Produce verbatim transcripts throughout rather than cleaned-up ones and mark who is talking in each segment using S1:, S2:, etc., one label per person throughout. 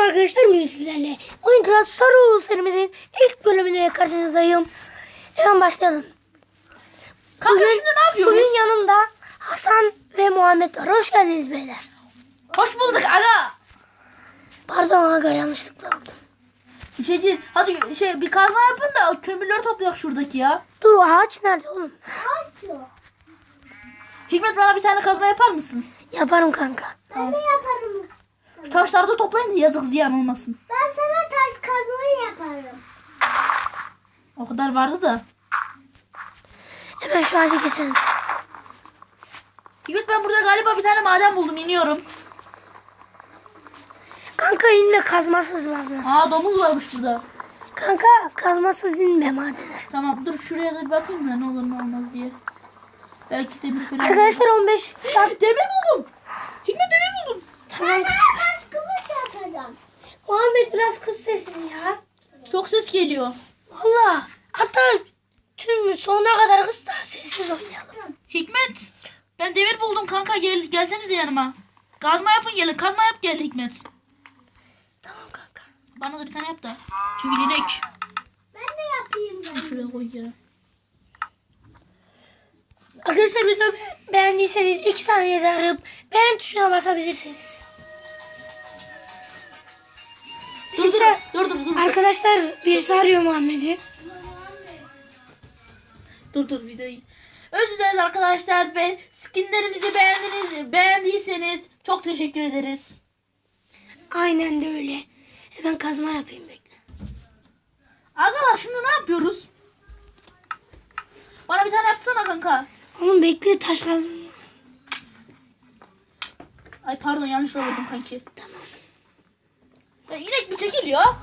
S1: arkadaşlar, bugün sizlerle Minecraft Soru serimizin ilk bölümüne karşınızdayım. Hemen başlayalım.
S2: Kanka
S1: Bugün,
S2: şimdi ne yapıyoruz?
S1: bugün yanımda Hasan ve Muhammed var. Hoş geldiniz beyler.
S2: Hoş bulduk aga.
S1: Pardon aga, yanlışlıkla oldu.
S2: Bir şey değil. Hadi şey bir kazma yapın da kömürleri toplayak şuradaki ya.
S1: Dur, o ağaç nerede oğlum?
S2: Hikmet, bana bir tane kazma yapar mısın?
S1: Yaparım kanka.
S3: Ben de yaparım.
S2: Taşları da toplayın da yazık ziyan olmasın.
S3: Ben sana taş kazmayı yaparım.
S2: O kadar vardı da.
S1: Hemen şu ağacı keselim.
S2: Hikmet, ben burada galiba bir tane maden buldum, iniyorum.
S1: Kanka inme, kazmasız mazmasız.
S2: Aa, domuz varmış burada.
S1: Kanka kazmasız inme madene.
S2: Tamam, dur şuraya da bir bakayım da ne olur ne olmaz diye. Belki demir falan.
S1: Arkadaşlar on beş bak.
S2: Demir buldum. Hikmet, demir buldum.
S1: Tamam.
S3: Ben sana taş kılıç yapacağım.
S1: Muhammed biraz kız sesini ya.
S2: Çok ses geliyor.
S1: Valla. Hatta tüm sonuna kadar kız da sessiz oynayalım.
S2: Hikmet, ben demir buldum kanka, gel gelsenize yanıma. Kazma yapın, gelin kazma yap, gel Hikmet.
S1: Tamam kanka.
S2: Bana da bir tane yap da. Çünkü inek.
S3: Ben de yapayım ben.
S2: Şuraya koy ya.
S1: Arkadaşlar, videoyu beğendiyseniz iki saniye zarıp beğen tuşuna basabilirsiniz.
S2: Dur dur,
S1: Birisi-
S2: dur dur dur.
S1: Arkadaşlar birisi arıyor Muhammed'i.
S2: Dur dur videoyu. Özür dileriz arkadaşlar ve skinlerimizi beğendiniz, beğendiyseniz çok teşekkür ederiz.
S1: Aynen de öyle. Hemen kazma yapayım, bekle.
S2: Arkadaşlar şimdi ne yapıyoruz? Bana bir tane yapsana kanka.
S1: Oğlum bekle, taş kazma.
S2: Ay pardon, yanlış vurdum kanki.
S1: Tamam.
S2: Ya inek bir çekil ya.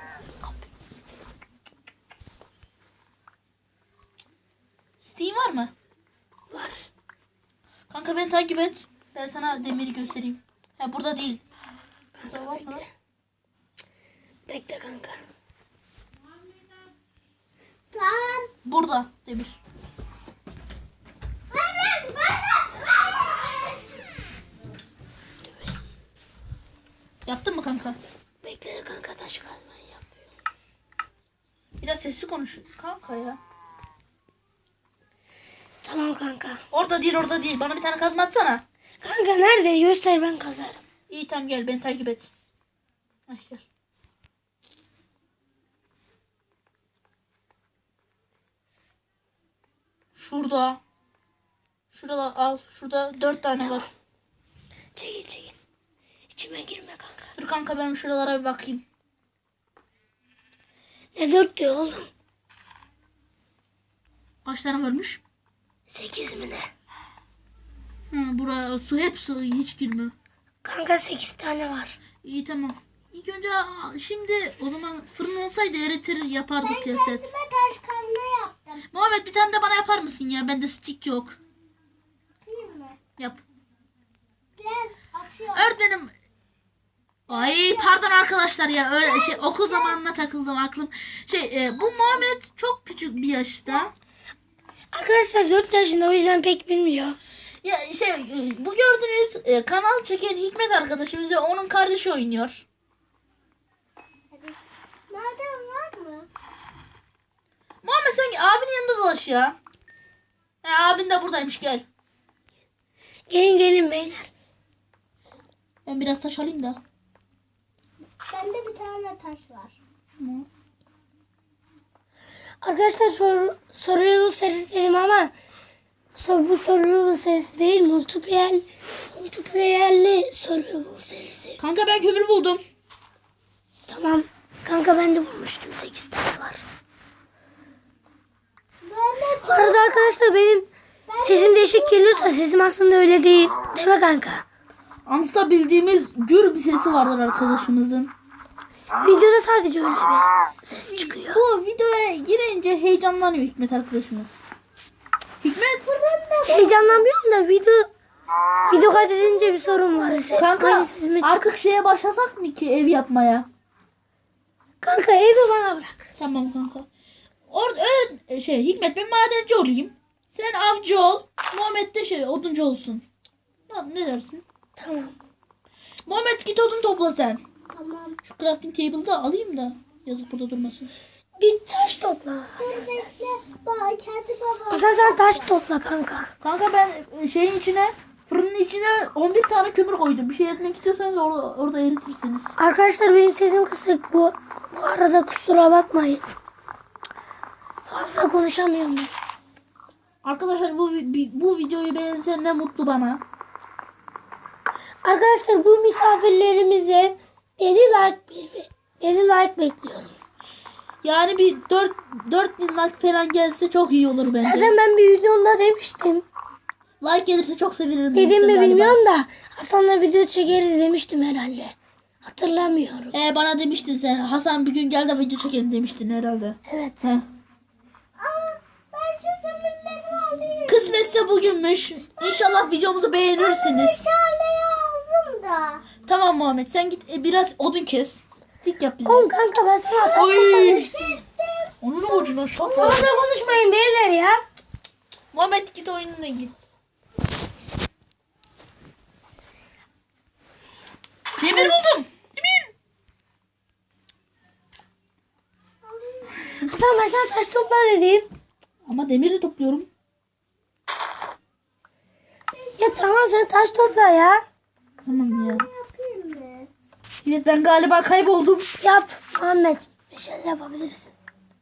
S2: Steam var mı?
S1: Var.
S2: Kanka beni takip et. Ben sana demiri göstereyim. Ha, burada değil. Burada
S1: Kanka
S2: var mı?
S1: bekle. Bekle kanka.
S3: Tamam.
S2: Burada demir.
S3: Ben ben
S2: Yaptın mı kanka?
S1: Bekle kanka, taş kazmayı yapıyorum.
S2: Biraz sesli konuş kanka ya.
S1: Tamam kanka.
S2: Orada değil, orada değil. Bana bir tane kazma atsana.
S1: Kanka nerede? Göster, ben kazarım.
S2: İyi tamam, gel beni takip et. Ay gel. Şurada. Şurada al. Şurada dört tane var.
S1: Çekil çekil. İçime girme kanka.
S2: Dur kanka, ben şuralara bir bakayım.
S1: Ne dört diyor oğlum?
S2: Kaç tane varmış?
S1: Sekiz mi ne?
S2: Hı, buraya su, hep su, hiç girmiyor.
S1: Kanka sekiz tane var.
S2: İyi tamam. İlk önce şimdi o zaman fırın olsaydı eritir yapardık ya set.
S3: kendime taş kazma yaptım.
S2: Muhammed, bir tane de bana yapar mısın ya? Bende stick yok.
S3: Değil mi?
S2: Yap.
S3: Gel atıyorum.
S2: Öğretmenim. Ay pardon arkadaşlar ya, öyle şey okul zamanına takıldım aklım. Şey e, bu Muhammed çok küçük bir yaşta.
S1: Arkadaşlar dört yaşında, o yüzden pek bilmiyor.
S2: Ya şey e, bu gördüğünüz e, kanal çeken Hikmet arkadaşımız ve onun kardeşi oynuyor.
S3: Hadi. Maden var mı?
S2: Muhammed sen abinin yanında dolaş ya. He, abin de buradaymış, gel.
S1: Gelin gelin beyler.
S2: Ben biraz taş alayım da.
S3: Bende bir tane taş var.
S2: Hı.
S1: Arkadaşlar soru, soru serisi dedim ama sor, bu soru serisi değil, multiplayer multiplayerli soru serisi.
S2: Kanka ben kömür buldum.
S1: Tamam. Kanka ben de bulmuştum, sekiz tane var.
S3: Ben de
S1: Bu arada arkadaşlar benim sesim değişik geliyorsa sesim aslında öyle değil. Değil mi kanka?
S2: Ansta bildiğimiz gür bir sesi vardır arkadaşımızın.
S1: Videoda sadece öyle bir ses çıkıyor.
S2: Bu videoya girince heyecanlanıyor Hikmet arkadaşımız. Hikmet.
S1: Heyecanlanmıyorum da video video kaydedince bir sorun var.
S2: Kanka
S1: Aynı sesimi-
S2: artık şeye başlasak mı ki ev yapmaya?
S1: Kanka evi bana bırak.
S2: Tamam kanka. Orada öyle şey Hikmet, ben madenci olayım. Sen avcı ol. Muhammed de şey oduncu olsun. Ne, ne dersin?
S1: Tamam.
S2: Muhammed git odun topla sen.
S3: tamam. Tamam.
S2: Şu crafting table'ı da alayım da. Yazık burada durmasın.
S1: Bir taş topla Hasan sen.
S3: Bekle. Bak kendi babam.
S1: Hasan sen taş topla kanka.
S2: Kanka ben e, şeyin içine fırının içine on bir tane kömür koydum. Bir şey etmek istiyorsanız orada, orada eritirsiniz.
S1: Arkadaşlar benim sesim kısık. Bu, bu arada kusura bakmayın. Fazla konuşamıyorum ben.
S2: Arkadaşlar bu vi- bu videoyu beğensen ne mutlu bana.
S1: Arkadaşlar bu misafirlerimize dedi like bir dedi like bekliyorum.
S2: Yani bir dört dört bin like falan gelse çok iyi olur bence.
S1: Zaten ben bir videomda demiştim.
S2: Like gelirse çok sevinirim.
S1: Dedim
S2: demiştim
S1: mi
S2: galiba.
S1: bilmiyorum da Hasan'la video çekeriz demiştim herhalde. Hatırlamıyorum.
S2: Ee, bana demiştin sen Hasan bir gün gel de video çekelim demiştin herhalde.
S1: Evet.
S2: Heh.
S3: Aa, ben şu kömürleri alayım.
S2: Kısmetse bugünmüş. İnşallah videomuzu beğenirsiniz.
S3: Meşaleyi aldım da.
S2: Tamam Muhammed sen git e, biraz odun kes. Stik yap bize.
S1: Oğlum kanka ben sana taş
S2: Oy.
S1: topla demiştim.
S2: Onun ucuna şok.
S1: Orada konuşmayın beyler ya.
S2: Muhammed git oyununa git. Demir buldum. Demir.
S1: Hasan ben sana taş topla dedim.
S2: Ama demiri topluyorum.
S1: Ya tamam sen taş topla ya.
S2: Tamam ya.
S3: Yapayım mı?
S2: Evet ben galiba kayboldum.
S1: Yap Muhammed. Meşale yapabilirsin.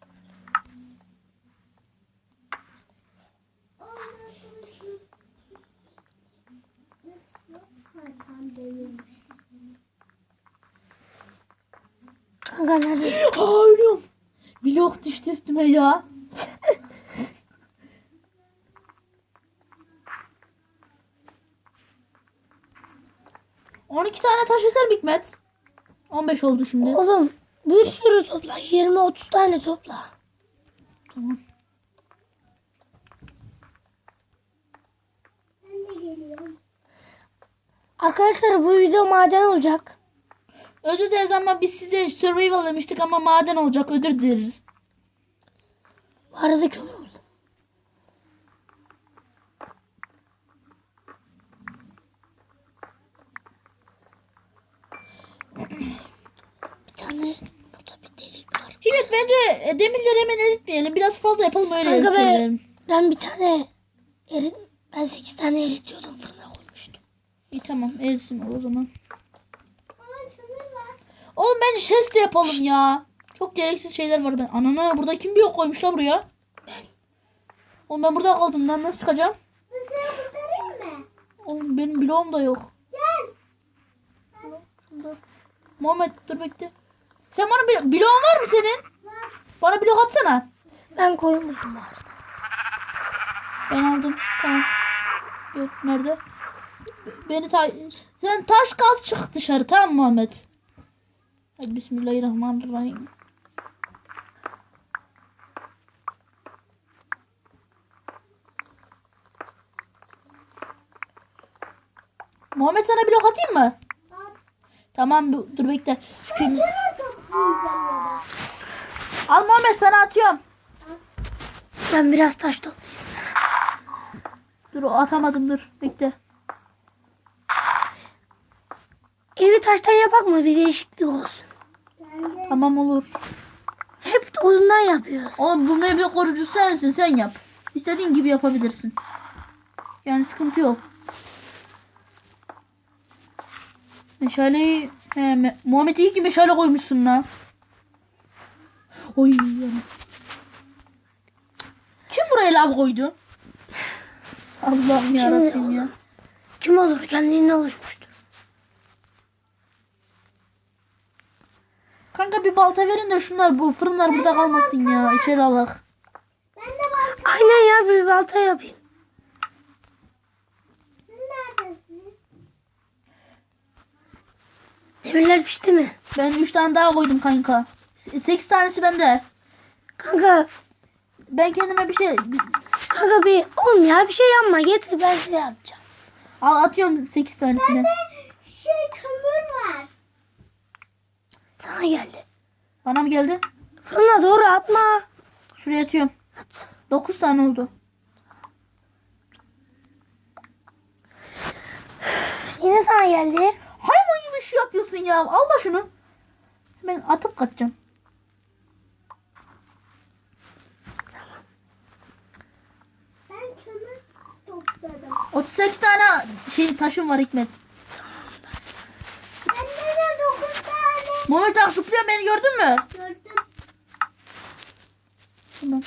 S3: Tam değilmiş.
S1: Kanka neredesin?
S2: Aa ölüyorum. Blok düştü üstüme ya. on iki tane taş yeter Hikmet. on beş oldu şimdi.
S1: Oğlum bir sürü topla. yirmi otuz tane topla.
S2: Tamam.
S3: Ben de geliyorum.
S1: Arkadaşlar bu video maden olacak.
S2: Özür dileriz ama biz size survival demiştik ama maden olacak. Özür dileriz.
S1: Bu arada kömür buldum. Bir tane burada bir delik var.
S2: Hikmet bence e, demirleri hemen eritmeyelim. Biraz fazla yapalım öyle
S1: Kanka ben,
S2: eritelim.
S1: ben bir tane erit, ben sekiz tane eritiyordum fırına koymuştum.
S2: İyi tamam eritsin o zaman.
S3: Aa kömür var.
S2: Oğlum bence chest de yapalım ya. Çok gereksiz şeyler var. Ben anana burada kim bir yok koymuşlar buraya.
S1: Ben.
S2: Oğlum ben burada kaldım lan nasıl çıkacağım?
S3: Ben seni kurtarayım mı?
S2: Oğlum benim bloğum da yok.
S3: Gel.
S2: Muhammed dur bekle. Sen bana bir bloğun var mı senin?
S3: Var.
S2: Bana blok atsana.
S1: Ben koyun buldum bu arada.
S2: Ben aldım. Tamam. Yok nerede? Beni ta sen taş kaz çık dışarı tamam mı Muhammed? Hadi bismillahirrahmanirrahim. Muhammed sana blok atayım mı?
S3: Bak.
S2: Tamam dur, dur bekle. Şimdi-
S3: Kömür toplayacağım ya da.
S2: Al Muhammed sana atıyorum.
S1: Ben biraz taş toplayayım.
S2: Dur atamadım dur bekle.
S1: Evi taştan yapak mı? Bir değişiklik olsun.
S3: Ben de.
S2: Tamam olur.
S1: Hep odundan yapıyoruz.
S2: Oğlum bu meyve korucusu sensin sen yap. İstediğin gibi yapabilirsin. Yani sıkıntı yok. Meşaleyi... He, me- Muhammed iyi ki meşale koymuşsun lan. Oy. yanım. Kim buraya lav koydu? Allah'ım yarabbim ya.
S1: Kim olur? Kendiliğinden oluşmuştur.
S2: Kanka bir balta verin de şunlar bu fırınlar burada kalmasın ya. İçeri alak.
S3: Ben de var.
S1: Aynen ya bir balta yapayım.
S3: Sen neredesin?
S1: Demirler pişti mi?
S2: Ben üç tane daha koydum kanka. sekiz tanesi bende.
S1: Kanka,
S2: Ben kendime bir şey...
S1: kanka bir oğlum ya bir şey yapma. Getir ben size yapacağım.
S2: Al atıyorum sekiz tanesini.
S3: Şey kömür var.
S1: Sana geldi.
S2: Bana mı geldi?
S1: Fırına doğru atma.
S2: Şuraya atıyorum.
S1: At.
S2: dokuz tane oldu.
S1: Yine sana geldi.
S2: Hayvan gibi şey yapıyorsun ya. Allah şunu. Hemen atıp kaçacağım.
S3: Ben kömür topladım.
S2: otuz sekiz tane şey taşım var Hikmet.
S3: Bende de dokuz tane.
S2: Muhammed bak zıplıyor, beni gördün mü?
S3: Gördüm.
S2: Tamam.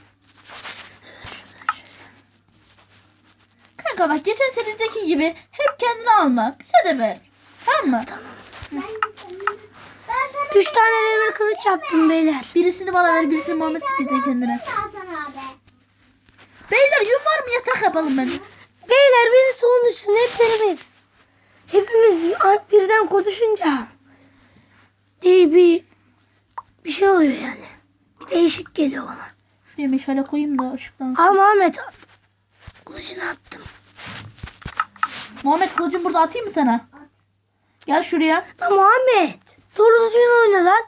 S2: Kanka bak geçen senedeki gibi hep kendini alma. Bize de ver. Tamam mı?
S3: Ben kömür. Ben sana
S1: Üç tane demir kılıç yaptım beyler.
S2: Birisini bana ver, birisini Muhammed bir de kendine.
S3: Hasan abi.
S2: Beyler yün var mı, yatak yapalım ben.
S1: Beyler birisi onun üstüne hepimiz. Hepimiz birden konuşunca değil bir bir şey oluyor yani. Bir değişik geliyor bana.
S2: Şuraya meşale koyayım da ışıklansın.
S1: Al Muhammed at. Kılıcını attım.
S2: Muhammed kılıcımı burada atayım mı sana? Gel şuraya.
S1: Lan Muhammed. Doğru düzgün oyna lan.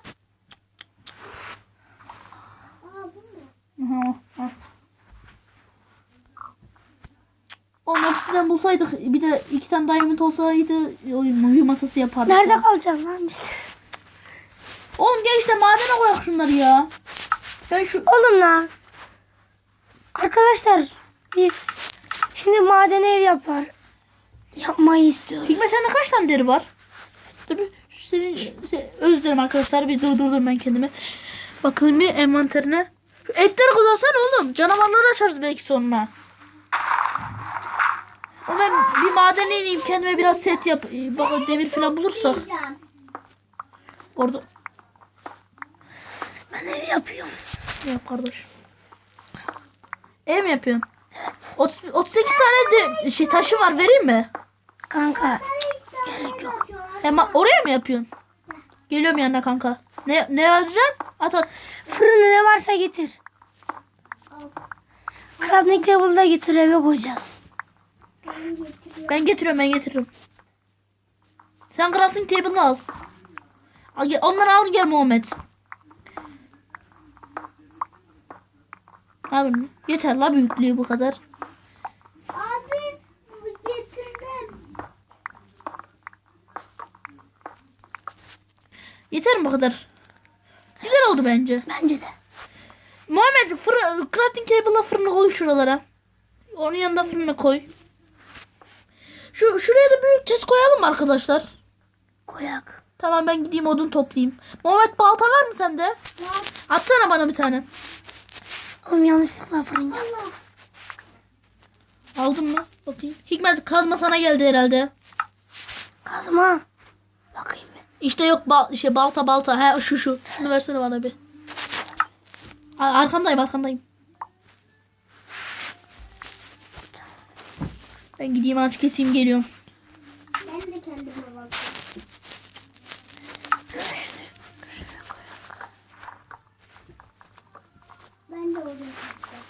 S3: Aa bu mu?
S2: Aha, al. Oğlum hepsinden bulsaydık, bir de iki tane diamond olsaydı oyun oyun masası yapardık.
S1: Nerede
S2: ya.
S1: kalacağız lan biz?
S2: Oğlum gel işte madene koyak şunları ya. Ben şu
S1: Oğlum lan. Arkadaşlar biz şimdi maden ev yapar. Yapmayı istiyoruz.
S2: Hikmet sende kaç tane deri var? Dur bir senin se- özür dilerim arkadaşlar, bir durdurdum ben kendimi. Bakın bir envanterine. Şu etleri kızarsana oğlum. Canavarları açarız belki sonra. O ben bir madene ineyim, kendime biraz set yap. Bak demir falan bulursak.
S3: Yiyeceğim.
S2: Orada
S1: Ben ev yapıyorum.
S2: yap kardeş. Ev mi yapıyorsun? Evet. otuz, otuz sekiz tane de şey taşı var, vereyim mi?
S1: Kanka gerek yok.
S2: Hem oraya mı yapıyorsun? Geliyorum yanına kanka. Ne ne alacaksın? At at.
S1: Fırında ne varsa getir. Crafting table'da getir, eve koyacağız.
S2: Ben getiriyorum ben getiririm. Sen crafting table'ını al. Al gel- Onları al gel Muhammed. Abi yeter la, büyüklüğü bu kadar.
S3: Abi bu getirdim.
S2: Yeter mi bu kadar? Güzel oldu bence.
S1: Bence de.
S2: Muhammed fırın, crafting table'la fırını koy şuralara. Onun yanında fırını koy. Şu şuraya da büyük chest koyalım mı arkadaşlar?
S1: Koyak.
S2: Tamam ben gideyim odun toplayayım. Muhammed balta var mı sende?
S3: Var.
S2: Atsana bana bir tane.
S1: Oğlum yanlışlıkla fırın yap.
S3: Allah.
S2: Aldın mı? Bakayım. Hikmet kazma sana geldi herhalde.
S1: Kazma. Bakayım bir.
S2: İşte yok bal şey balta balta. He şu şu. Şunu versene bana bir. A- Arkandayım arkandayım. Ben gideyim ağaç keseyim geliyorum.
S3: Ben de kendime bakıyorum. Ben de oraya bakacağım.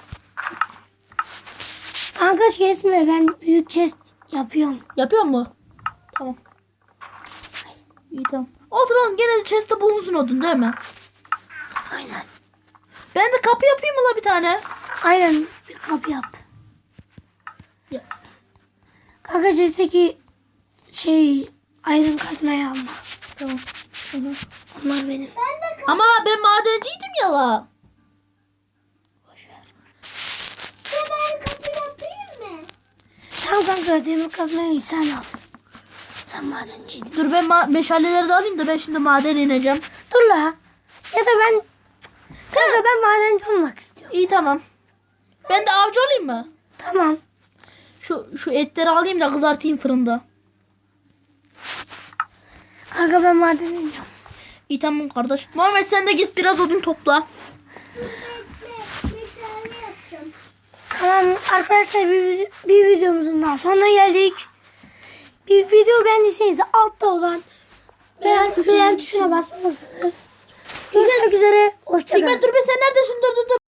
S1: Kanka kesme, ben büyük chest yapıyorum.
S2: Yapıyor mu? Tamam. İyi tamam. Olsun oğlum, gene de chest'te bulunsun odun değil mi?
S1: Aynen.
S2: Ben de kapı yapayım mı la bir tane?
S1: Aynen bir kapı yap.
S2: Ya.
S1: Kanka chest'teki şey iron kazmayı alma.
S2: Tamam. Hı hı.
S1: Onlar benim.
S3: Ben de
S2: Ama ben madenciydim ya la.
S1: Boş ver.
S3: kapı, ben kapı yapayım mı?
S1: Tamam kanka, demir kazmayı sen al. Sen madenciydin.
S2: Dur ben ma- meşaleleri de alayım da ben şimdi madene ineceğim.
S1: Dur la. Ya da ben sen de ben madenci olmak istiyorum.
S2: İyi tamam. Ben de avcı olayım mı?
S1: Tamam.
S2: Şu şu etleri alayım da kızartayım fırında.
S1: Kanka ben madene iniyorum.
S2: İyi tamam kardeş. Muhammed sen de git biraz odun topla.
S3: Bekle. Bir tane yapacağım.
S1: Tamam arkadaşlar, bir, bir videomuzun daha sonuna geldik. Bir video beğendiyseniz altta olan beğen, beğen tuşuna basmalısınız. Görüşmek üzere. Hoşçakalın.
S2: Hikmet dur be, sen neredesin? Dur dur dur.